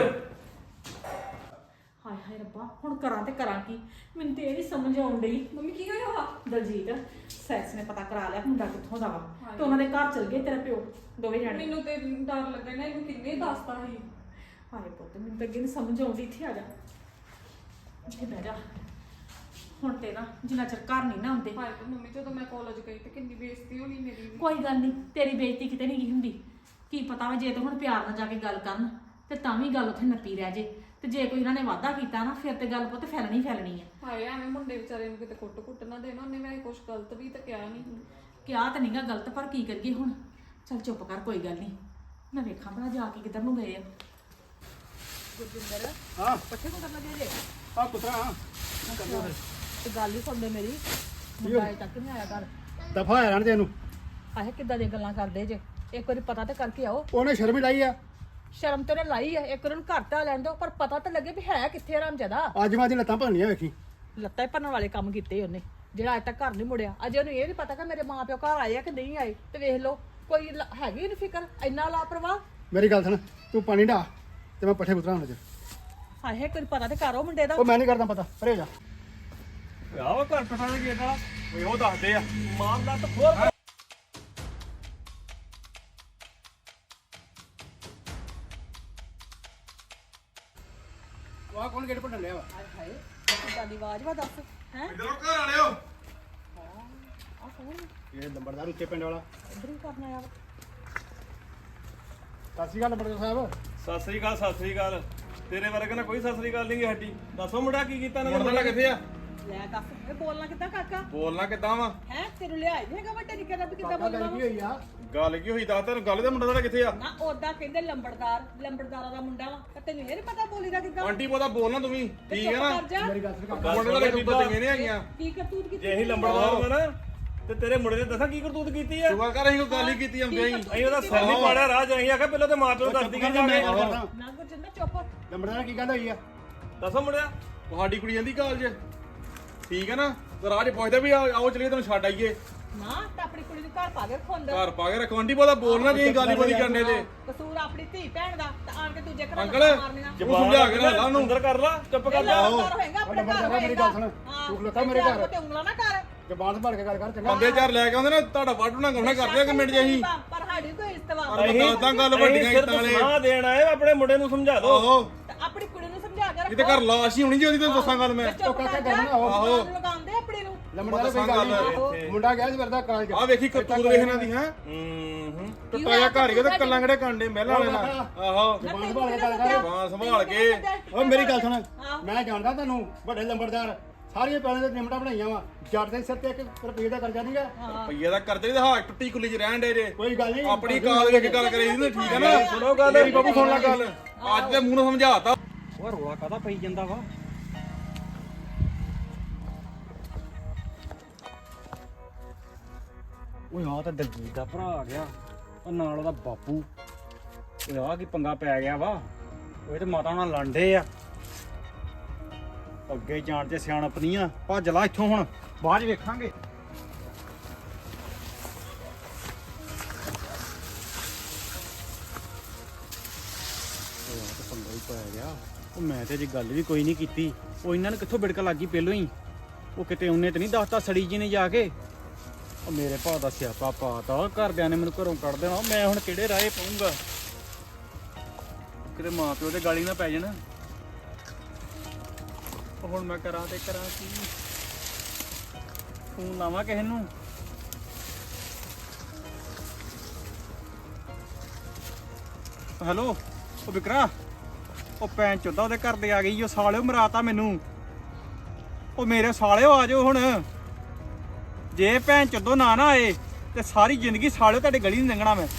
Speaker 2: ਹਾਏ ਹਾਏ ਰੱਬਾ ਹੁਣ ਕਰਾਂ ਤੇ ਕਰਾਂ ਕੀ ਮੈਨੂੰ ਤੇ ਇਹ ਨਹੀਂ ਸਮਝ ਆਉਣ ਡਈ ਮੰਮੀ ਕੀ ਹੋਇਆ ਵਾ ਦਲਜੀਤ ਸੈਕਸ ਨੇ ਪਤਾ ਕਰਾ ਲਿਆ ਮੁੰਡਾ ਕਿੱਥੋਂ ਦਾ ਵਾ ਤੇ ਉਹਨਾਂ ਦੇ ਘਰ ਚਲ ਗਏ ਤੇਰਾ ਪਿਓ ਦੋਵੇਂ ਜਾਣੇ
Speaker 6: ਮੈਨੂੰ ਤੇ ਡਰ ਲੱਗਾ ਨਾ ਇਹਨੂੰ ਕਿੰਨੇ ਦੱਸਤਾ ਸੀ
Speaker 2: ਹਾਏ ਪੁੱਤ ਮੈਨੂੰ ਤਾਂ ਅੱਗੇ ਨਹੀਂ ਸਮਝ ਆਉਂਦੀ ਇੱਥੇ ਆ ਜਾ ਇੱਥੇ ਬਹਿ ਜਾ ਹੁਣ ਤੇ ਨਾ ਜਿੰਨਾ ਚਿਰ ਘਰ ਨਹੀਂ ਨਾ ਆਉਂਦੇ
Speaker 6: ਹਾਏ ਤੇ ਮੰਮੀ ਜਦੋਂ ਮੈਂ ਕਾਲਜ ਗਈ ਤੇ ਕਿੰਨੀ ਬੇਇੱਜ਼ਤੀ ਹੋਣੀ ਮੇਰੀ ਵੀ
Speaker 2: ਕੋਈ ਗੱਲ ਨਹੀਂ ਤੇਰੀ ਬੇਇੱਜ਼ਤੀ ਕਿਤੇ ਨਹੀਂ ਗਈ ਹੁੰਦੀ ਕੀ ਪਤਾ ਵਾ ਜੇ ਤੇ ਹੁਣ ਪਿਆਰ ਨਾਲ ਜਾ ਕੇ ਗੱਲ ਕਰਨ ਤੇ ਤਾਂ ਵੀ ਗੱਲ ਉੱਥੇ ਨੱਪੀ ਰਹਿ ਜੇ ਤੇ ਜੇ ਕੋਈ ਇਹਨਾਂ ਨੇ ਵਾਅਦਾ ਕੀਤਾ ਨਾ ਫਿਰ ਤੇ ਗੱਲ ਪੁੱਤ ਫੈਲਣੀ ਫੈਲਣੀ ਆ
Speaker 6: ਹਾਏ ਐਵੇਂ ਮੁੰਡੇ ਵਿਚਾਰੇ ਨੂੰ ਕਿਤੇ ਕੁੱਟ ਕੁੱਟ ਨਾ ਦੇਣਾ ਉਹਨੇ ਵੈਸੇ ਕੁਝ ਗਲਤ ਵੀ ਤਾਂ ਕਿਹਾ ਨਹੀਂ
Speaker 2: ਕਿਹਾ ਤਾਂ ਨਹੀਂਗਾ ਗਲਤ ਪਰ ਕੀ ਕਰੀਏ ਹੁਣ ਚੱਲ ਚੁੱਪ ਕਰ ਕੋਈ ਗੱਲ ਨਹੀਂ ਮੈਂ ਵੇਖਾਂ ਭਲਾ ਜਾ ਕੇ ਕਿੱਧਰ ਨੂੰ ਗਏ ਆ
Speaker 5: ਗੁਰਜਿੰਦਰ
Speaker 4: ਹਾਂ
Speaker 5: ਪੱਠੇ ਕੋ ਕਰਨਾ ਜੇ
Speaker 4: ਆ ਪੁੱਤਰਾ ਹਾਂ
Speaker 5: ਤੇ ਗੱਲ ਹੀ ਸੁਣਦੇ ਮੇਰੀ ਮੁੰਡਾ ਅਜੇ ਤੱਕ ਨਹੀਂ ਆਇਆ ਘਰ
Speaker 4: ਦਫਾ ਆ ਰਹਿਣ ਦੇ ਇਹਨੂੰ
Speaker 5: ਆਹੇ ਕਿੱਦਾਂ ਦੀਆਂ ਗੱਲਾਂ ਕਰਦੇ ਜੇ ਇੱਕ ਵਾਰੀ ਪਤਾ ਤੇ ਕਰਕੇ ਆਓ
Speaker 4: ਉਹਨੇ ਸ਼ਰਮ ਹੀ ਲਾਈ ਆ
Speaker 5: ਸ਼ਰਮ ਤੇ ਉਹਨੇ ਲਾਈ ਆ ਇੱਕ ਵਾਰ ਉਹਨੂੰ ਘਰ ਤਾਂ ਲੈਣ ਦਿਓ ਪਰ ਪਤਾ ਤਾਂ ਲੱਗੇ ਵੀ ਹੈ ਕਿੱਥੇ ਰਾਮਜਦਾ
Speaker 4: ਅੱਜ ਮੈਂ ਦੀ ਲੱਤਾਂ ਭੰਨੀਆਂ ਵੇਖੀ
Speaker 5: ਲੱਤਾਂ ਹੀ ਭੰਨਣ ਵਾਲੇ ਕੰਮ ਕੀਤੇ ਉਹਨੇ ਜਿਹੜਾ ਅੱਜ ਤੱਕ ਘਰ ਨਹੀਂ ਮੁੜਿਆ ਅਜੇ ਉਹਨੂੰ ਇਹ ਨਹੀਂ ਪਤਾ ਕਿ ਮੇਰੇ ਮਾਂ ਪਿਓ ਘਰ ਆਏ ਆ ਕਿ ਨਹੀਂ ਆਏ ਤੇ ਵੇਖ ਲਓ ਕੋਈ ਲ- ਹੈਗੀ ਨਹੀਂ ਫਿਕਰ ਇੰਨਾ ਲਾਪਰਵਾਹ
Speaker 4: ਮੇਰੀ ਗੱਲ ਸੁਣ ਤੂੰ ਪਾਣੀ ਢਾ ਤੇ ਮੈਂ ਪੱਠੇ ਕੁਤਰਾ ਹੁਣ ਚ
Speaker 5: ਹਾਏ ਕੋਈ ਪਤਾ ਤੇ ਕਰੋ ਮੁੰਡੇ ਦਾ
Speaker 4: ਉਹ ਮੈਂ ਨਹੀਂ ਕਰਦਾ ਪਤਾ ਪਰੇ ਜਾ
Speaker 3: ਆਹ ਵਾ ਘਰ ਪਟਾਣਾ ਗੇਟ ਵਾਲਾ
Speaker 1: ਓਏ ਉਹ ਦੱਸਦੇ ਆ
Speaker 3: ਮਾਮਲਾ ਤਾਂ ਹੋਰ
Speaker 4: ਉਹ ਕੌਣ ਗੇਟ ਭੰਨ ਲਿਆ ਵਾ
Speaker 5: ਹਾਏ ਹਾਏ ਕਿੱਦਾਂ ਦੀ ਆਵਾਜ਼ ਵਾ ਦੱਸ ਹੈ
Speaker 1: ਇਧਰੋਂ ਘਰ ਵਾਲਿਓ
Speaker 5: ਆ ਕੌਣ
Speaker 4: ਇਹ ਲੰਬੜਦਾਰ ਉੱਚੇ ਪਿੰਡ ਵਾਲਾ
Speaker 5: ਇੱਧਰ ਹੀ ਕਰਨਾ ਆ
Speaker 4: ਸਤਿ ਸ਼੍ਰੀ ਅਕਾਲ ਲੰਬੜਦਾਰ ਸਾਹਿਬ
Speaker 3: ਸਤਿ ਸ੍ਰੀ ਅਕਾਲ ਸਤਿ ਸ੍ਰੀ ਅਕਾਲ ਤੇਰੇ ਵਰਗੇ ਨਾਲ ਕੋਈ ਸਤਿ ਸ੍ਰੀ ਅਕਾਲ ਨਹੀਂ ਗੀ ਸਾਡੀ ਦੱਸੋ ਮੁੰਡਾ ਕੀ ਕੀਤਾ ਇਹਨਾਂ
Speaker 1: ਮੁੰਡਾ ਕਿੱਥੇ ਆ
Speaker 5: ਲੈ ਦੱਸ ਇਹ ਬੋਲਣਾ ਕਿੱਦਾਂ ਕਾਕਾ
Speaker 1: ਬੋਲਣਾ ਕਿੱਦਾਂ ਵਾ
Speaker 5: ਹੈ ਤੈਨੂੰ ਲਿਆ ਨਹੀਂ ਹੈਗਾ ਵੱਡੇ ਨਿੱਕੇ ਦਾ ਵੀ ਕਿੱਦਾਂ
Speaker 4: ਕਾਕਾ
Speaker 5: ਬੋਲਣਾ
Speaker 4: ਗੱਲ ਕੀ ਹੋਈ ਆ
Speaker 1: ਗੱਲ ਕੀ ਹੋਈ ਦੱਸ ਤੈਨੂੰ ਗੱਲ ਦਾ ਮੁੰਡਾ ਦਾ ਕਿੱਥੇ ਆ
Speaker 5: ਨਾ ਉਹਦਾ ਕਹਿੰਦੇ ਲੰਬੜਦਾਰ ਲੰਬੜਦਾਰਾਂ ਦਾ ਮੁੰਡਾ ਵਾ ਤੇ ਤੈਨੂੰ ਇਹ ਨਹੀਂ ਪਤਾ ਬੋਲੀ ਦਾ ਕਿੱਦਾਂ
Speaker 1: ਆਂਟੀ ਪੋਦਾ ਬੋਲਣਾ ਤੂੰ ਵੀ ਠੀਕ ਹੈ ਨਾ
Speaker 5: ਕਰ ਜਾ
Speaker 4: ਮੇਰੀ ਗੱਲ ਸੁਣ ਕਾਕਾ
Speaker 1: ਮੁੰਡੇ ਦਾ ਕਰਤੂਤਾਂ ਚੰਗੇ ਨਹੀਂ ਹੈਗੀਆਂ
Speaker 5: ਕੀ ਕਰਤੂਤ ਕੀਤੀ
Speaker 3: ਜੇ ਅਸੀਂ ਲੰਬੜਦਾਰ ਹੋਣਾ ਨਾ ਤੇ ਤੇਰੇ ਮੁੰਡੇ ਨੇ ਦੱਸਾਂ ਕੀ ਕਰਤੂਤ ਕੀਤੀ ਆ
Speaker 1: ਸੁਗਾ ਕਰ ਅਸੀਂ ਕੋਈ ਗੱਲ ਹੀ ਕੀਤੀ ਆਉਂਦੇ ਹੀ
Speaker 3: ਅਸੀਂ ਉਹਦਾ ਸਿਰ ਨਹੀਂ ਪਾੜਿਆ ਰਾਹ ਚ ਅਸੀਂ ਆਖਿਆ ਪਹਿਲਾਂ ਤੇ ਮਾਂ ਪਿਓ ਨੂੰ ਦੱਸਦੀ ਕਿ ਜਾ ਕੇ
Speaker 4: ਕਰਦਾ
Speaker 5: ਨਾ ਗੁਰਜਿੰਦਰ ਚੁੱਪ
Speaker 4: ਲੰਬੜਦਾਰ ਕੀ ਗੱਲ ਹੋਈ ਆ
Speaker 3: ਦੱਸੋ ਮੁੰਡਿਆ
Speaker 1: ਤੁਹਾਡੀ ਕੁੜੀ ਜਾਂਦੀ ਕਾਲਜ ਠੀਕ ਹੈ ਨਾ ਤੇ ਰਾਜ ਪੁੱਛਦਾ ਵੀ ਆਓ ਆਓ ਚਲੀਏ ਤੈਨੂੰ ਛੱਡ ਆਈਏ
Speaker 5: ਨਾ ਤਾਂ ਆਪਣੀ ਕੁੜੀ ਨੂੰ ਘਰ ਪਾ ਕੇ ਰੱਖੋ ਅੰਦਰ
Speaker 1: ਘਰ ਪਾ ਕੇ ਰੱਖੋ ਆਂਟੀ ਪੋਦਾ ਬੋਲਣਾ ਜੇ ਅਸੀਂ ਗੱਲ ਹੀ ਬੜੀ ਕਰਨੇ ਤੇ
Speaker 5: ਕਸੂਰ ਆਪਣੀ ਧੀ ਭੈਣ ਦਾ ਤਾਂ ਆਣ ਕੇ ਦੂਜੇ ਘਰਾਂ
Speaker 1: ਅੰਕਲ
Speaker 5: ਲੱਤਾਂ ਮਾਰਨੀਆਂ
Speaker 1: ਉਹ ਸਮਝਾ ਕੇ ਨਾ ਲਾ ਉਹਨੂੰ
Speaker 3: ਅੰਦਰ ਕਰ ਲਾ ਚੁੱਪ ਕਰ ਜਾ
Speaker 5: ਲੰਬੜਦਾਰ ਹੋਏਗਾ ਆਪਣੇ ਘਰ
Speaker 4: ਲੰਬੜਦਾਰ ਮੇਰੀ
Speaker 5: ਹੋਏਗਾ
Speaker 4: ਗੱਲ ਸੁਣ ਤੂੰ ਖਲੋਤਾ ਮੇਰੇ ਘਰ
Speaker 5: ਤੇ ਉਂਗਲਾਂ ਨਾ ਕਰ
Speaker 4: ਜ਼ਬਾਨ ਸੰਭਾਲ ਕੇ ਗੱਲ ਕਰ ਚੰਗਾ
Speaker 1: ਬੰਦੇ ਚਾਰ ਲੈ ਕੇ ਆਉਂਦੇ ਨਾ ਤੁਹਾਡਾ ਵਾਢੂ ਨਾ ਗਾਉਣਾ ਕਰਦੇ ਆ ਕਿ ਮਿੰਟ ਜਿਹੀ
Speaker 5: ਪਰ ਸਾਡੀ ਕੋਈ ਇਸਤਵਾ
Speaker 1: ਪਰ ਮੈਂ ਦੱਸਦਾ ਗੱਲ ਵੱਡੀਆਂ
Speaker 3: ਸਿਰਫ
Speaker 1: ਇੱਟਾਂ ਵਾਲੇ
Speaker 3: ਸਲਾਹ ਦੇਣ ਆਏ ਆਪਣੇ ਮੁੰਡੇ ਨੂੰ ਸਮਝਾ ਦਿਓ
Speaker 1: ਆਹੋ
Speaker 5: ਤੇ ਆਪਣੀ ਕੁੜੀ ਨੂੰ ਸਮਝਾ ਕੇ
Speaker 1: ਕਿਤੇ
Speaker 5: ਰੱਖੋ
Speaker 1: ਘਰ ਲਾਸ਼ ਹੀ ਹੋਣੀ ਜੀ ਉਹਦੀ ਤੈਨੂੰ ਦੱਸਾਂ ਗੱਲ ਮੈਂ
Speaker 5: ਚੁੱਪ ਕਰ ਜਾ
Speaker 1: ਆਹੋ।
Speaker 5: ਲਗਾਉਂਦੇ ਆਪਣੀ ਨੂੰ
Speaker 4: ਲੰਬੜਦਾਰ ਕੋਈ ਗੱਲ ਨਹੀਂ ਮੁੰਡਾ ਗਿਆ ਸੀ ਵਰਦਾ ਕਾਲਜ
Speaker 1: ਆ ਵੇਖੀ ਕਰਤੂਤ ਵੇਖਣਾ ਦੀ ਹੈ
Speaker 3: ਹੂੰ ਹੂੰ
Speaker 1: ਟੁੱਟਾ ਜਿਹਾ ਘਰ ਹੀ ਉਹਦੇ ਕੱਲਾਂ ਕਿਹੜੇ ਕਾਂਡੇ ਮਹਿਲਾਂ ਵਾਲੇ ਨਾਲ ਆਹੋ
Speaker 4: ਜ਼ਬਾਨ ਸੰਭਾਲ ਕੇ ਗੱਲ ਕਰ
Speaker 1: ਬਾਂਹ ਸੰਭਾਲ ਕੇ
Speaker 4: ਓਏ ਮੇਰੀ ਗੱਲ ਸੁਣ ਮੈਂ ਜਾਣਦਾ ਤੈਨੂੰ ਵੱਡੇ ਲੰਬੜਦਾਰ ਸਾਰੀਆਂ ਪੈਣੇ ਦੇ ਨਿਮਟਾ ਬਣਾਈਆਂ ਵਾ ਜੱਟ ਦੇ ਸਿਰ ਤੇ ਇੱਕ ਰੁਪਏ ਦਾ ਕਰਜ਼ਾ ਨਹੀਂਗਾ
Speaker 1: ਪਈਏ ਦਾ ਕਰਦੇ ਤੇ ਹਾਂ ਟੁੱਟੀ ਕੁੱਲੀ ਚ ਰਹਿਣ ਦੇ ਜੇ
Speaker 4: ਕੋਈ ਗੱਲ ਨਹੀਂ
Speaker 1: ਆਪਣੀ ਕਾਲ ਵੇਖ ਕੇ ਗੱਲ ਕਰੀ ਦੀ ਠੀਕ ਹੈ ਨਾ
Speaker 3: ਸੁਣੋ ਗੱਲ
Speaker 1: ਮੇਰੀ ਬਾਬੂ ਸੁਣ ਲੈ ਗੱਲ ਅੱਜ ਤੇ ਮੂੰਹ ਨੂੰ ਸਮਝਾਤਾ
Speaker 7: ਉਹ ਰੋਲਾ ਕਾਹਦਾ ਪਈ ਜਾਂਦਾ ਵਾ ਓਏ ਹਾਂ ਤਾਂ ਦਲਜੀਤ ਦਾ ਭਰਾ ਆ ਗਿਆ ਉਹ ਨਾਲ ਉਹਦਾ ਬਾਪੂ ਓਏ ਆ ਕੀ ਪੰਗਾ ਪੈ ਗਿਆ ਵਾ ਉਹ ਤੇ ਮਾਤਾ ਨਾਲ ਲੜਦੇ ਆ ਅੱਗੇ ਜਾਣ ਤੇ ਸਿਆਣਪ ਨਹੀਂ ਆ ਭੱਜ ਲਾ ਇੱਥੋਂ ਹੁਣ ਬਾਅਦ ਚ ਵੇਖਾਂਗੇ ਉਹ ਆ ਤਾਂ ਪੰਗਾ ਹੀ ਪੈ ਗਿਆ ਉਹ ਮੈਂ ਤੇ ਅਜੇ ਗੱਲ ਵੀ ਕੋਈ ਨਹੀਂ ਕੀਤੀ ਉਹ ਇਹਨਾਂ ਨੂੰ ਕਿੱਥੋਂ ਬਿੜਕ ਲੱਗੀ ਪਹਿਲੋਂ ਹੀ ਉਹ ਕਿਤੇ ਉਹਨੇ ਤੇ ਨਹੀਂ ਦੱਸਤਾ ਸੜੀ ਜੀ ਨੇ ਜਾ ਕੇ ਉਹ ਮੇਰੇ ਭਾ ਦਾ ਸਿਆਪਾ ਪਾਤਾ ਘਰਦਿਆਂ ਨੇ ਮੈਨੂੰ ਘਰੋਂ ਕੱਢ ਦੇਣਾ ਮੈਂ ਹੁਣ ਕਿਹੜੇ ਰਾਹੇ ਪਾਉਂਗਾ ਕਿਤੇ ਮਾਂ ਪਿਓ ਦੇ ਗਾਲੀ ਨਾ ਪੈ ਜਾਣ ਉਹ ਹੁਣ ਮੈਂ ਕਰਾਂ ਤੇ ਕਰਾਂ ਕੀ ਫੋਨ ਲਾਵਾਂ ਕਿਸੇ ਨੂੰ ਹੈਲੋ ਉਹ ਵਿਕਰਾ ਉਹ ਭੈਣ ਚੋਦਾ ਉਹਦੇ ਘਰ ਦੇ ਆ ਗਈ ਉਹ ਸਾਲਿਓ ਮਰਾਤਾ ਮੈਨੂੰ ਉਹ ਮੇਰੇ ਸਾਲਿਓ ਆ ਜਾਓ ਹੁਣ ਜੇ ਭੈਣ ਚੋਦੋ ਨਾ ਨਾ ਆਏ ਤੇ ਸਾਰੀ ਜ਼ਿੰਦਗੀ ਸਾਲਿਓ ਤੁਹਾਡੇ ਗਲੀ ਨਹੀਂ ਲੰਘਣਾ ਮੈਂ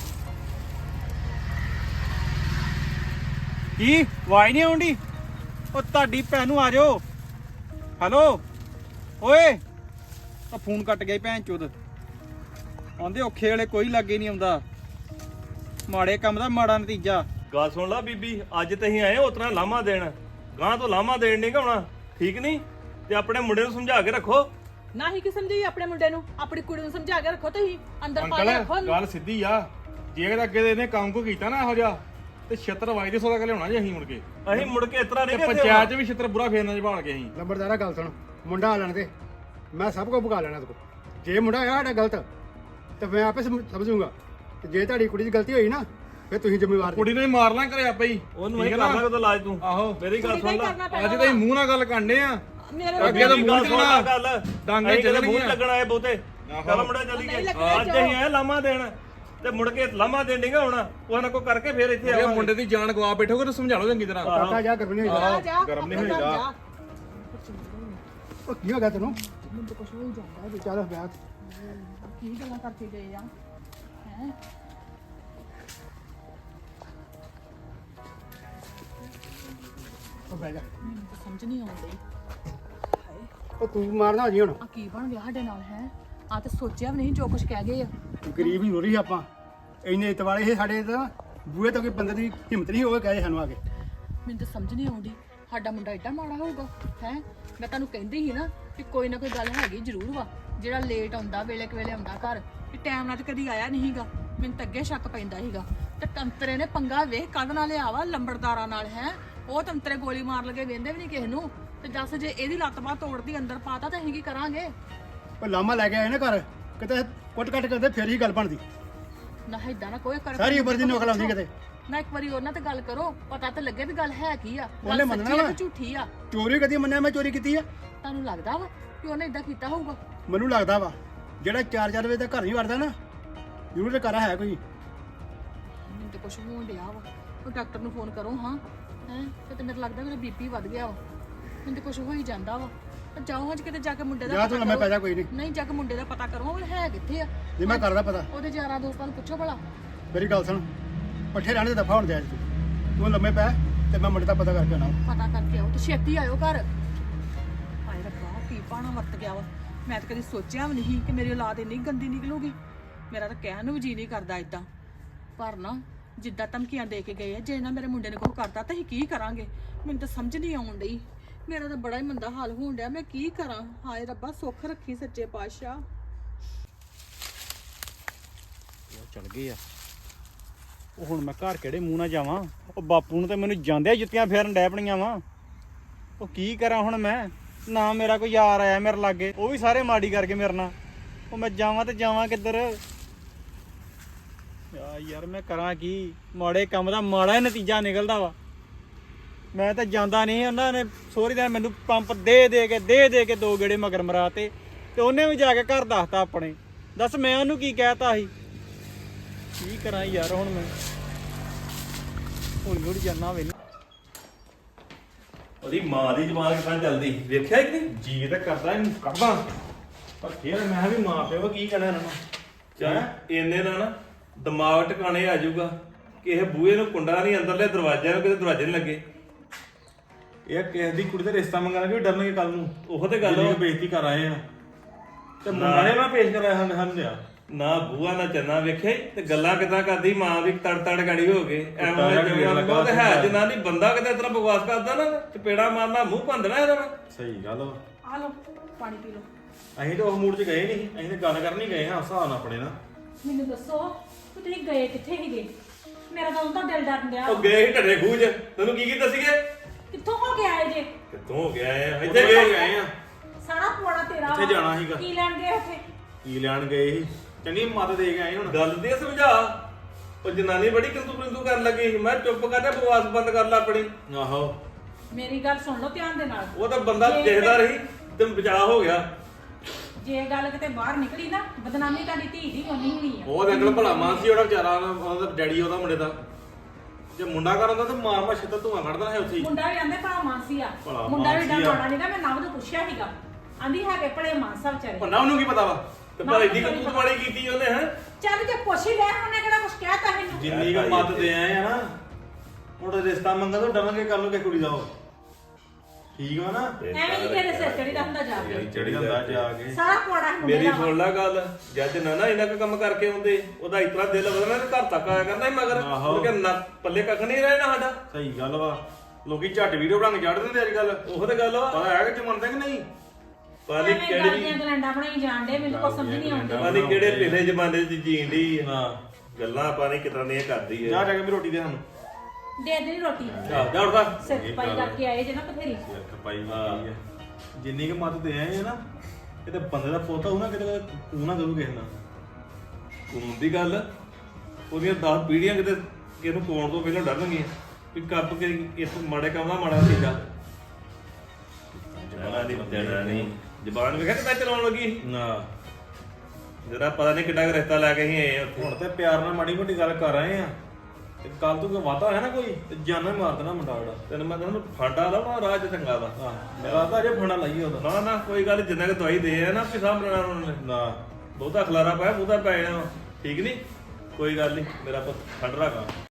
Speaker 7: ਕੀ ਆਵਾਜ਼ ਨਹੀਂ ਆਉਂਦੀ ਉਹ ਤੁਹਾਡੀ ਭੈਣ ਨੂੰ ਆ ਜਾਓ ਹੈਲੋ ਓਏ ਆ ਫੋਨ ਕੱਟ ਗਿਆ ਭੈਣ ਚੋਦ ਆਂਦੇ ਔਖੇ ਵੇਲੇ ਕੋਈ ਲਾਗੇ ਨਹੀਂ ਆਉਂਦਾ ਮਾੜੇ ਕੰਮ ਦਾ ਮਾੜਾ ਨਤੀਜਾ
Speaker 3: ਗੱਲ ਸੁਣ ਲਾ ਬੀਬੀ ਅੱਜ ਤੇ ਅਸੀਂ ਆਏ ਉਤਰਾ ਲਾਮਾ ਦੇਣ ਗਾਂ ਤੋਂ ਲਾਮਾ ਦੇਣ ਨਹੀਂ ਗਾਉਣਾ ਠੀਕ ਨਹੀਂ ਤੇ ਆਪਣੇ ਮੁੰਡੇ ਨੂੰ ਸਮਝਾ ਕੇ ਰੱਖੋ
Speaker 5: ਨਾ ਹੀ ਕਿ ਸਮਝੀ ਆਪਣੇ ਮੁੰਡੇ ਨੂੰ ਆਪਣੀ ਕੁੜੀ ਨੂੰ ਸਮਝਾ ਕੇ ਰੱਖੋ ਤੁਸੀਂ ਅੰਦਰ ਪਾ ਕੇ
Speaker 1: ਅੰਕਲ
Speaker 5: ਰੱਖੋ
Speaker 1: ਗੱਲ ਸਿੱਧੀ ਆ ਜੇ ਅਗਰ ਅੱਗੇ ਦੇ ਇਹਨੇ ਕੰਮ ਕੋ ਕੀਤਾ ਨਾ ਇਹੋ ਜਿਹਾ ਤੇ ਛਿੱਤਰ ਵਾਈ ਦੇ ਸੋਦਾ ਕੇ ਲਿਆਉਣਾ ਜੀ ਅਸੀਂ ਮੁੜ ਕੇ
Speaker 3: ਅਸੀਂ ਮੁੜ ਕੇ ਇਸ ਤਰ੍ਹਾਂ
Speaker 1: ਤੇ
Speaker 3: ਨਹੀਂ
Speaker 1: ਪੰਚਾਇਤ 'ਚ ਵੀ ਛਿੱਤਰ ਬੁਰਾ ਫੇਰਨਾ ਜਵਾਲ ਕੇ ਅਸੀਂ
Speaker 4: ਲੰਬੜਦਾਰਾ ਗੱਲ ਸੁਣ ਮੁੰਡਾ ਆ ਲੈਣ ਦੇ ਮੈਂ ਸਭ ਕੁਝ ਭੁਗਾ ਲੈਣਾ ਤੇ ਜੇ ਮੁੰਡਾ ਆ ਸਾਡਾ ਗਲਤ ਤੇ ਮੈਂ ਆਪੇ ਸਮਝ- ਸਮਝੂੰਗਾ ਤੇ ਜੇ ਤੁਹਾਡੀ ਕੁੜੀ ਦੀ ਗਲਤੀ ਹੋਈ ਨਾ ਫਿਰ ਤੁਸੀਂ ਜ਼ਿੰਮੇਵਾਰ ਜੀ।
Speaker 1: ਕੁੜੀ ਨੂੰ ਹੀ ਮਾਰ ਲਾਂ ਘਰੇ ਆਪੇ ਹੀ
Speaker 3: ਉਹਨੂੰ ਅਸੀਂ
Speaker 1: ਠੀਕ
Speaker 3: ਕਰ
Speaker 1: ਆ ਨਾ?
Speaker 3: ਲਾਂਗੇ ਇਲਾਜ ਤੂੰ
Speaker 1: ਆਹੋ
Speaker 3: ਮੇਰੀ ਗੱਲ ਸੁਣ ਲੈ
Speaker 1: ਅੱਜ ਤਾਂ ਅਸੀਂ ਮੂੰਹ ਨਾਲ ਗੱਲ ਕਰਨੇ ਆ
Speaker 5: ਮੇਰੇ
Speaker 1: ਅੱਗੇ ਤਾਂ ਮੂੰਹ
Speaker 3: ਗੱਲ ਸੁਣ ਲੈ ਗੱਲ
Speaker 1: ਡਾਂਗੇ
Speaker 3: ਅਸੀਂ
Speaker 1: ਚੱਲ
Speaker 3: ਕਿਤੇ ਮੂੰਹ
Speaker 1: ਗਈਆਂ।
Speaker 3: ਲੱਗਣਾ ਇਹ ਬਹੁਤੇ
Speaker 1: ਆਹੋ।
Speaker 3: ਚੱਲ ਮੁੰਡਾ ਚੱਲੀ
Speaker 5: ਨਹੀਂ
Speaker 3: ਗਏ
Speaker 5: ਲੱਗਣਾ
Speaker 3: ਅੱਜ ਅਸੀਂ ਆਏ ਲਾਮਾ ਦੇਣ ਤੇ ਮੁੜ ਕੇ ਲਾਮਾ ਦੇਣ ਨਹੀਂ ਹੋਣਾ ਉਹ ਨਾ ਕੋ ਕਰਕੇ ਫੇਰ ਇੱਥੇ
Speaker 1: ਇਹ
Speaker 3: ਆਵਾਂਗੇ
Speaker 1: ਮੁੰਡੇ ਦੀ ਜਾਨ ਗਵਾ ਬੈਠੋਗੇ ਤਾਂ ਸਮਝਾ ਲਓ ਚੰਗੀ ਤਰ੍ਹਾਂ
Speaker 4: ਕਾਕਾ ਜਾ ਗਰਮ ਨਹੀਂ ਹੋਈਦਾ
Speaker 5: ਜਾ ਜਾ
Speaker 1: ਗਰਮ ਨਹੀਂ
Speaker 5: ਆਪਣੇ ਘਰ
Speaker 1: ਹੋਈਦਾ।
Speaker 5: ਜਾ।
Speaker 4: ਉਹ ਕੀ ਹੋ ਗਿਆ ਤੈਨੂੰ
Speaker 5: ਮੈਨੂੰ ਤਾਂ ਕੁਝ ਹੋ ਹੀ ਜਾਂਦਾ ਜੀ
Speaker 4: ਚੱਲ ਬੈਠ
Speaker 5: ਕੀ ਗੱਲਾਂ ਕਰਕੇ ਗਏ ਆ ਹੈ
Speaker 4: ਉਹ ਬਹਿ ਜਾ
Speaker 5: ਮੈਨੂੰ ਤਾਂ ਸਮਝ ਨਹੀਂ ਆਉਂਦੀ
Speaker 4: ਉਹ ਤੂੰ ਮਾਰਨਾ ਹੋ ਜੀ ਹੁਣ
Speaker 5: ਆ ਕੀ ਬਣ ਗਿਆ ਸਾਡੇ ਨਾਲ ਹੈ ਆ ਤਾਂ ਸੋਚਿਆ ਵੀ ਨਹੀਂ ਜੋ ਕੁਝ ਕਹਿ ਗਏ ਆ
Speaker 4: ਗਰੀਬ ਹੀ ਰੋਰੀ ਆਪਾਂ ਇੰਨੇ ਇਤਵਾਲੇ ਇਹ ਸਾਡੇ ਤਾਂ ਬੂਹੇ ਤੋਂ ਕੋਈ ਬੰਦੇ ਦੀ ਹਿੰਮਤ ਨਹੀਂ ਹੋਵੇ ਕਹੇ ਸਾਨੂੰ ਆ ਕੇ
Speaker 5: ਮੈਨੂੰ ਤਾਂ ਸਮਝ ਨਹੀਂ ਆਉਂਦੀ ਸਾਡਾ ਮੁੰਡਾ ਏਡਾ ਮਾੜਾ ਹੋਊਗਾ ਹੈ ਮੈਂ ਤੁਹਾਨੂੰ ਕਹਿੰਦੀ ਸੀ ਨਾ ਕਿ ਕੋਈ ਨਾ ਕੋਈ ਗੱਲ ਹੈਗੀ ਜ਼ਰੂਰ ਵਾ ਜਿਹੜਾ ਲੇਟ ਆਉਂਦਾ ਵੇਲੇ ਕੁ ਵੇਲੇ ਆਉਂਦਾ ਘਰ ਕਿ ਟਾਈਮ ਨਾਲ ਤਾਂ ਕਦੀ ਆਇਆ ਨਹੀਂ ਸੀਗਾ ਮੈਨੂੰ ਤਾਂ ਅੱਗੇ ਸ਼ੱਕ ਪੈਂਦਾ ਸੀਗਾ ਤੇ ਤੰਤਰੇ ਨੇ ਪੰਗਾ ਵੇਖ ਕਦ ਨਾਲ ਲਿਆ ਵਾ ਲੰਬੜਦਾਰਾਂ ਨਾਲ ਹੈ ਉਹ ਤੰਤਰੇ ਗੋਲੀ ਮਾਰ ਲਗੇ ਵੇਂਦੇ ਵੀ ਨਹੀਂ ਕਿਸੇ ਨੂੰ ਤੇ ਦੱਸ ਜੇ ਇਹਦੀ ਲੱਤ ਬਾਹ ਤੋੜਦੀ ਅੰਦਰ ਪਾਤਾ ਤਾਂ ਅਸੀਂ ਕੀ ਕਰਾਂਗੇ
Speaker 4: ਉਹ ਲਾਮਾ ਲੈ ਕੇ ਆਏ ਨਾ ਘਰ ਕਿਤੇ ਕੁੱਟ ਕੱਟ ਕਰਦੇ ਫਿਰ ਹੀ ਗੱਲ ਬਣਦੀ
Speaker 5: ਨਾ ਏਦਾਂ ਨਾ ਕੋਈ ਕਰ
Speaker 4: ਸਾਰੀ ਉਮਰ ਦੀ ਨੌਕਲ ਆਉਂਦੀ ਕਿਤੇ
Speaker 5: ਨਾ ਇੱਕ ਵਾਰੀ ਉਹਨਾਂ ਤੇ ਗੱਲ ਕਰੋ ਪਤਾ ਤਾਂ ਲੱਗੇ ਵੀ ਗੱਲ ਹੈ ਕੀ ਆ
Speaker 4: ਉਹਨੇ
Speaker 5: ਗੱਲ
Speaker 4: ਮੰਨਣਾ
Speaker 5: ਸੱਚੀ ਆ
Speaker 4: ਵਾ।
Speaker 5: ਕਿ ਝੂਠੀ ਆ
Speaker 4: ਚੋਰੀ ਕਦੀ ਮੰਨਿਆ ਮੈਂ ਚੋਰੀ ਕੀਤੀ ਆ
Speaker 5: ਤੁਹਾਨੂੰ ਲੱਗਦਾ ਵਾ ਕਿ ਉਹਨੇ ਇਦਾਂ ਕੀਤਾ ਹੋਊਗਾ
Speaker 4: ਮੈਨੂੰ ਲੱਗਦਾ ਵਾ ਜਿਹੜਾ ਚਾਰ ਚਾਰ ਵਜੇ ਤੱਕ ਘਰ ਨਹੀਂ ਵੜਦਾ ਨਾ ਜ਼ਰੂਰ ਤੇ ਘਰ ਹੈ ਕੋਈ
Speaker 5: ਮੈਨੂੰ ਤਾਂ ਕੁਝ ਹੋਣ ਡਿਆ ਵਾ ਉਹ ਡਾਕਟਰ ਨੂੰ ਫੋਨ ਕਰੋ ਹਾਂ ਹੈ ਤੇ ਮੈਨੂੰ ਲੱਗਦਾ ਮੇਰਾ ਬੀਪੀ ਵੱਧ ਗਿਆ ਵਾ ਮੈਨੂੰ ਤਾਂ ਕੁਝ ਹੋ ਹੀ ਜਾਂਦਾ ਵਾ ਤਾਂ ਜਾਓ ਅੱਜ ਕਿਤੇ ਜਾ ਕੇ ਮੁੰਡੇ ਦਾ
Speaker 4: ਜਾ ਤੂੰ
Speaker 5: ਪਤਾ
Speaker 4: ਲੰਮੇ
Speaker 5: ਕਰੋ।
Speaker 4: ਪੈ ਜਾ ਕੋਈ ਨਹੀਂ
Speaker 5: ਨਹੀਂ ਜਾ ਕੇ ਮੁੰਡੇ ਦਾ ਪਤਾ ਕਰੋ ਉਹ ਹੈ ਕਿੱਥੇ ਆ
Speaker 4: ਜੇ ਮੈਂ ਕਰਦਾ ਪਤਾ
Speaker 5: ਉਹਦੇ ਯਾਰਾਂ ਦੋਸਤਾਂ ਨੂੰ ਪੁੱਛੋ ਭਲਾ
Speaker 4: ਮੇਰੀ ਗੱਲ ਸੁਣ ਪੱਠੇ ਰਹਿਣ ਦੇ ਦਫਾ ਹੋਣ ਦੇ ਅੱਜ ਤੂੰ ਤੂੰ ਲੰਮੇ ਪੈ ਤੇ ਮੈਂ ਮੁੰਡੇ ਦਾ ਪਤਾ ਕਰਕੇ ਆਉਣਾ
Speaker 5: ਪਤਾ ਕਰਕੇ ਆਓ ਤੇ ਛੇਤੀ ਆਇਓ ਘਰ ਹਾਏ ਰੱਬਾ ਕੀ ਪਾਣਾ ਵਰਤ ਗਿਆ ਵਾ ਮੈਂ ਤਾਂ ਕਦੀ ਸੋਚਿਆ ਵੀ ਨਹੀਂ ਕਿ ਮੇਰੀ ਔਲਾਦ ਇੰਨੀ ਗੰਦੀ ਨਿਕਲੂਗੀ ਮੇਰਾ ਤਾਂ ਕਹਿਣ ਨੂੰ ਵੀ ਜੀ ਨਹੀਂ ਕਰਦਾ ਇਦਾਂ ਪਰ ਨਾ ਜਿੱਦਾਂ ਧਮਕੀਆਂ ਦੇ ਕੇ ਗਏ ਆ ਜੇ ਨਾ ਮੇਰੇ ਮੁੰਡੇ ਨੇ ਕੁਝ ਕਰਤਾ ਤਾਂ ਅਸੀਂ ਕੀ ਕਰਾਂਗੇ ਮੈਨੂੰ ਤਾਂ ਸਮਝ ਨਹੀਂ ਆਉਣ ਡਈ ਮੇਰਾ ਤਾਂ ਬੜਾ ਹੀ ਮੰਦਾ ਹਾਲ ਹੋਣ ਡਿਆ ਮੈਂ ਕੀ ਕਰਾਂ ਹਾਏ ਰੱਬਾ ਸੁੱਖ ਰੱਖੀ ਸੱਚੇ ਪਾਤਸ਼ਾਹ
Speaker 7: ਉਹ ਚਲ ਗਏ ਆ ਉਹ ਹੁਣ ਮੈਂ ਘਰ ਕਿਹੜੇ ਮੂੰਹ ਨਾਲ ਜਾਵਾਂ ਉਹ ਬਾਪੂ ਨੂੰ ਤੇ ਮੈਨੂੰ ਜਾਂਦਿਆਂ ਜੁੱਤੀਆਂ ਫੇਰਨ ਡੈ ਪਣੀਆਂ ਵਾ ਉਹ ਕੀ ਕਰਾਂ ਹੁਣ ਮੈਂ ਨਾ ਮੇਰਾ ਕੋਈ ਯਾਰ ਆਇਆ ਮੇਰੇ ਲਾਗੇ ਉਹ ਵੀ ਸਾਰੇ ਮਾੜੀ ਕਰਕੇ ਮੇਰੇ ਨਾਲ ਉਹ ਮੈਂ ਜਾਵਾਂ ਤੇ ਜਾਵਾਂ ਕਿੱਧਰ ਯਾ ਯਾਰ ਮੈਂ ਕਰਾਂ ਕੀ ਮਾੜੇ ਕੰਮ ਦਾ ਮਾੜਾ ਹੀ ਨਤੀਜਾ ਨਿਕਲਦਾ ਵਾ ਮੈਂ ਤਾਂ ਜਾਂਦਾ ਨਹੀਂ ਉਹਨਾਂ ਨੇ ਸੋਰੀ ਦਾ ਮੈਨੂੰ ਪੰਪ ਦੇ ਦੇ ਕੇ ਦੇ ਦੇ ਕੇ ਦੋ ਗੇੜੇ ਮਗਰ ਮਰਾਤੇ ਤੇ ਉਹਨੇ ਵੀ ਜਾ ਕੇ ਘਰ ਦੱਸਤਾ ਆਪਣੇ ਦੱਸ ਮੈਂ ਉਹਨੂੰ ਕੀ ਕਹਿਤਾ ਸੀ ਕੀ ਕਰਾਂ ਯਾਰ ਹੁਣ ਮੈਂ ਹੌਲੀ ਹੌਲੀ ਜਾਣਾ ਵੇ
Speaker 3: ਉਹਦੀ ਮਾਂ ਦੀ ਜ਼ਬਾਨ ਕਿੱਦਾਂ ਚੱਲਦੀ ਵੇਖਿਆ ਕਿ ਨਹੀਂ
Speaker 1: ਜੀ ਤਾਂ ਕਰਦਾ ਇਹਨੂੰ ਕੱਢਦਾ ਪਰ ਫੇਰ ਮੈਂ ਕਿਹਾ ਵੀ ਮਾਂ ਪਿਓ ਕੀ ਕਹਿਣਾ ਇਹਨਾਂ ਨੂੰ
Speaker 3: ਚੱਲ ਇੰਨੇ ਦਾ ਨਾ ਦਿਮਾਗ ਟਿਕਾਣੇ ਆ ਜਾਊਗਾ ਕਿ ਇਹ ਬੂਹੇ ਨੂੰ ਕੁੰਡਾ ਨਹੀਂ ਅੰਦਰਲੇ ਦਰਵਾਜ਼ੇ ਨੂੰ ਕਿਤੇ ਦਰਵਾਜ਼ੇ ਨਹੀਂ ਲੱਗੇ
Speaker 1: ਇਹ ਕਿਸੇ ਦੀ ਕੁੜੀ ਦਾ ਰਿਸ਼ਤਾ ਮੰਗਣਾ ਕਿ ਡਰਨਗੇ ਕੱਲ ਨੂੰ
Speaker 3: ਉਹ ਤੇ ਗੱਲ
Speaker 1: ਜਿੰਨੀ
Speaker 3: ਵਾ।
Speaker 1: ਕੁ ਬੇਇੱਜ਼ਤੀ ਕਰ ਆਏ ਆ ਤੇ ਮੁੰਡਾ ਨੇ ਮੈਂ ਪੇਸ਼ ਕਰਾਇਆ ਹਨ ਹਨ ਲਿਆ
Speaker 3: ਨਾ ਬੂਆ ਨਾ ਚੰਨਾ ਵੇਖਿਆ ਈ ਤੇ ਗੱਲਾਂ ਕਿਦਾਂ ਕਰਦੀ ਮਾਂ ਵੀ ਤੜ ਤੜ ਗਾੜੀ ਹੋ ਗਏ
Speaker 1: ਕੁੱਤਾ ਜਿਹਾ
Speaker 3: ਐਵੇਂ
Speaker 1: ਢੇਰ ਲੱਗਾ
Speaker 3: ਉਹ ਤੇ ਹੈ
Speaker 1: ਸੀਗਾ।
Speaker 3: ਜਨਾਨੀ ਬੰਦਾ ਕਿਤੇ ਇਤਨਾ ਬਕਵਾਸ ਕਰਦਾ ਨਾ ਚਪੇੜਾ ਮਾਰਨਾ ਮੂੰਹ ਭੰਦਣਾ ਇਹਦਾ ਵਾ।
Speaker 1: ਸਹੀ ਗੱਲ ਵਾ
Speaker 2: ਆ ਲਓ ਪਾਣੀ ਪੀ ਲਓ
Speaker 1: ਅਸੀਂ ਤਾਂ ਉਸ ਮੂਡ 'ਚ ਗਏ ਨਹੀਂ ਅਸੀਂ ਤਾਂ ਗੱਲ ਕਰਨ ਹੀ ਗਏ ਹਾਂ ਹਿਸਾਬ ਨਾਲ ਆਪਣੇ ਨਾਲ
Speaker 2: ਮੈਨੂੰ ਦੱਸੋ ਕਿ ਤੁਸੀਂ ਗਏ ਕਿੱਥੇ ਸੀਗੇ ਮੇਰਾ ਤਾਂ ਉਹਦਾ ਦਿਲ ਡਰਨ ਡਿਆ
Speaker 3: ਉਹ ਗਏ ਸੀ ਢੱਡੇ ਖੂਜ ਤੈਨੂੰ ਕੀ ਕੀ ਦੱਸੀਏ
Speaker 2: ਕਿੱਥੋਂ ਹੋ ਕੇ ਆਏ ਜੇ
Speaker 3: ਕਿੱਥੋਂ ਹੋ ਗਿਆ ਇਹ?
Speaker 1: ਇੱਥੇ
Speaker 3: ਇੱਥੇ
Speaker 1: ਗਏ ਗਏ ਆ
Speaker 2: ਸਾਰਾ ਪੁਆੜਾ ਤੇਰਾ
Speaker 1: ਕਿੱਥੇ
Speaker 2: ਵਾ।
Speaker 1: ਜਾਣਾ ਸੀਗਾ?
Speaker 2: ਕੀ ਲੈਣ ਗਏ ਉੱਥੇ
Speaker 1: ਕੀ ਲੈਣ ਗਏ ਸੀ ਚੰਗੀ ਮੱਤ ਦੇ ਕੇ ਆਏ ਹੁਣ
Speaker 3: ਗੱਲ ਦੇ ਸਮਝਾ ਉਹ ਜਨਾਨੀ ਬੜੀ ਕਿੰਤੂ ਪਰਿੰਤੂ ਕਰਨ ਲੱਗੀ ਸੀ। ਮੈਂ ਚੁੱਪ ਕਰਕੇ ਬਕਵਾਸ ਬੰਦ ਕਰ ਲਾ ਆਪਣੀ।
Speaker 1: ਆਹੋ
Speaker 2: ਮੇਰੀ ਗੱਲ ਸੁਣ ਲਓ ਧਿਆਨ ਦੇ ਨਾਲ।
Speaker 3: ਉਹ ਤਾਂ ਬੰਦਾ
Speaker 2: ਜੇ-
Speaker 3: ਦੇਖਦਾ ਰਹੀ ਤੇ ਬਚਾਅ ਹੋ ਗਿਆ।
Speaker 2: ਜੇ ਗੱਲ ਕਿਤੇ ਬਾਹਰ ਨਿਕਲੀ ਨਾ ਬਦਨਾਮੀ ਤੁਹਾਡੀ ਧੀ ਦੀ ਹੋਣੀ ਹੋਣੀ ਆ।
Speaker 1: ਉਹ ਅੰਕਲ ਭਲਾ ਮਾਨ ਸੀ ਉਹਦਾ ਵਿਚਾਰਾ ਉਹਦਾ ਡੈਡੀ ਉਹਦਾ ਮੁੰਡੇ ਦਾ ਜੇ ਮੁੰਡਾ ਕਰ ਹੁੰਦਾ ਤਾਂ ਮਾਰ ਮਾ ਛਿੱਤਰ ਧੂਆਂ ਕੱਢਦਾ ਹੈ ਉੱਥੇ ਹੀ।
Speaker 2: ਮੁੰਡਾ ਵੀ ਆਂਦੇ ਭਲਾ ਮਾਨਸੀ ਆ।
Speaker 1: ਭਲਾ
Speaker 2: ਮੁੰਡਾ ਵੀ ਡਾ
Speaker 1: ਮਾਨਸੀ ਆ।
Speaker 2: ਮਾੜਾ ਨਹੀਂਗਾ। ਮੈਂ ਨਵ ਨੂੰ ਪੁੱਛਿਆ ਸੀਗਾ ਆਂਦੀ ਹੈਗੇ ਭਲੇ ਮਾਨਸਾ ਵਿਚਾਰੇ।
Speaker 1: ਭੰਨਾ ਉਹਨੂੰ ਕੀ ਪਤਾ ਵਾ
Speaker 3: ਤੇ ਪਰ ਏਡੀ ਕਬੂਤ ਮਾੜੀ ਕੀਤੀ ਉਹਨੇ ਹੈ।
Speaker 2: ਚੱਲ ਜੇ ਪੁੱਛ ਹੀ ਲੈ ਉਹਨੇ ਕਿਹੜਾ ਕੁਛ ਕਹਿਤਾ ਮੈਨੂੰ।
Speaker 1: ਜਿੰਨੀ ਕੁ ਮੱਤ ਦੇ ਆਏ ਆ ਨਾ ਉਹਦਾ ਰਿਸ਼ਤਾ ਮੰਗਾ ਤਾਂ ਡਰਾਂਗੇ ਕਰ ਲੂਗੇ ਕੁੜੀ ਦਾ ਉਹ ਠੀਕ ਵਾ ਨਾ
Speaker 2: ਐਵੇਂ ਨਹੀਂ ਕਿਹਦੇ ਸਿਰ ਚੜੀ ਦਾ ਹੁੰਦਾ ਜਾ ਕੇ।
Speaker 1: ਚੜੀ ਹੁੰਦਾ ਜਾ ਕੇ
Speaker 2: ਸਾਰਾ ਕੋੜਾ ਮੁੰਡੇ
Speaker 3: ਮੇਰੀ
Speaker 2: ਦਾ
Speaker 3: ਸੁਣ ਲੈ ਗੱਲ ਜੱਜ ਨਾ ਨਾ ਇਹਨਾਂ ਕੁ ਕੰਮ ਕਰਕੇ ਆਉਂਦੇ ਉਹਦਾ ਇਤਨਾ ਦਿਲ ਵਧਣਾ ਤੇ ਘਰ ਤੱਕ ਆਇਆ ਕਰਦਾ ਸੀ ਮਗਰ
Speaker 1: ਆਹੋ।
Speaker 3: ਉਹ ਕਹਿੰਦਾ ਪੱਲੇ ਕੱਖ ਨਹੀਂ ਰਹਿਣਾ ਸਾਡਾ।
Speaker 1: ਸਹੀ ਗੱਲ ਵਾ ਲੋਕੀ ਝੱਟ ਵੀਡੀਓ ਬਣਾ ਕੇ ਚੜ ਦਿੰਦੇ ਅੱਜ ਕੱਲ
Speaker 3: ਉਹ ਤੇ ਗੱਲ ਵਾ
Speaker 1: ਪਤਾ ਹੈ ਕਿ ਮੰਨਦੇ ਕਿ ਨਹੀਂ
Speaker 3: ਪਤਾ ਨੀ
Speaker 2: ਐਵੇਂ ਗੱਲ
Speaker 3: ਕਿਹੜੀ
Speaker 2: ਦੀਆਂ ਗਲੈਂਡਾਂ ਬਣਾਈ ਜਾਣ ਡੇ ਮੈਨੂੰ ਕੁਛ ਸਮਝ ਨਹੀਂ ਆਉਂਦੀ।
Speaker 3: ਪਤਾ ਨੀ ਕਿਹੜੇ ਪਿਛਲੇ ਜ਼ਮਾਨੇ 'ਚ ਜੀਣ ਡਈ ਆ।
Speaker 1: ਹਾਂ
Speaker 3: ਗੱਲਾਂ ਆਪਾਂ ਨੇ ਕਿਤਨਾ ਦੀਆਂ ਕਰਦੀ
Speaker 1: ਜਾ
Speaker 3: ਹੈ।
Speaker 1: ਜਾ ਕੇ ਵੀ ਰੋਟੀ ਦੇ ਸਾਨੂੰ
Speaker 2: ਦੇ ਦੇ ਰੋਟੀ
Speaker 1: ਜਾ ਜਾ ਉੱਠਦਾ
Speaker 2: ਸਿਰ ਪਾਈ ਕਰਕੇ ਆਏ ਜੇ ਨਾ ਬਥੇਰੀ।
Speaker 1: ਸਿਰ ਪਾਈ ਹੋਈ ਹੈ ਜਿੰਨੀ ਕੁ ਮੱਤ ਦੇ ਆਏ ਆ ਨਾ ਕਿਤੇ ਬੰਦੇ ਦਾ ਪੋਤਾ ਹੋਊ ਨਾ ਕਿਤੇ ਤੂੰ ਨਾ ਕਰੂ ਕਿਸੇ ਨਾਲ
Speaker 3: ਕੂਨ ਦੀ ਗੱਲ ਉਹਦੀਆਂ ਦਸ ਪੀੜ੍ਹੀਆਂ ਕਿਤੇ ਕਿਸੇ ਨੂੰ ਕੋਣ ਤੋਂ ਪਹਿਲਾਂ ਡਰਨਗੀਆਂ ਵੀ ਕੱਪ ਕੇ ਇਸ ਮਾੜੇ ਕੰਮ ਦਾ ਮਾੜਾ ਸੀਗਾ। ਜ਼ਬਾਨ ਦੀ ਦੇਣਾ ਨਹੀਂ ਜ਼ਬਾਨ ਵੇਖਿਆ ਕਿੱਦਾਂ ਚਲਾਉਣ ਲੱਗੀ ਸੀ।
Speaker 1: ਨਾ
Speaker 3: ਜਿਹੜਾ ਪਤਾ ਨਹੀਂ ਕਿੱਡਾ ਕੁ ਰਿਸ਼ਤਾ ਲੈ ਕੇ ਹੀ ਆਏ ਉੱਥੇ।
Speaker 1: ਹੁਣ ਤੇ ਪਿਆਰ ਨਾਲ ਮਾੜੀ ਮੋਟੀ ਗੱਲ ਕਰ ਰਹੇ ਆ ਤੇ ਕੱਲ ਤੂੰ ਕੋਈ ਵਾਤਾ ਹੋਇਆ ਨਾ ਕੋਈ ਤੇ ਜਾਨਾਂ ਹੀ ਮਾਰ ਦੇਣਾ ਮੁੰਡਾ ਉਹਦਾ
Speaker 3: ਤੈਨੂੰ ਮੈਂ ਕਹਿੰਦਾ ਫਾਂਡਾ ਲਾਉਣਾ ਰਾਹ 'ਚ ਚੰਗਾ ਦਾ।
Speaker 1: ਆਹ ਮੇਰਾ ਤਾਂ ਅਜੇ ਫਣਾ ਲਾਈ ਉਹਦਾ
Speaker 3: ਨਾ ਨਾ ਕੋਈ ਗੱਲ ਨੀ, ਜਿੰਨਾ ਕਿ ਦਵਾਈ ਦੇ ਆ ਨਾ ਵੀ ਸਾਹਮਣੇ ਉਹਨਾਂ ਨੇ
Speaker 1: ਨਾ
Speaker 3: ਬਹੁਤਾ ਖਲਾਰਾ ਪਾਇਆ ਬਹੁਤਾ ਪੈ ਜਾਣਾ ਵਾ। ਠੀਕ ਨਹੀਂ ਕੋਈ ਗੱਲ ਨਹੀਂ ਮੇਰਾ ਪੁੱਤ ਠੰਡ ਰੱਖਾ।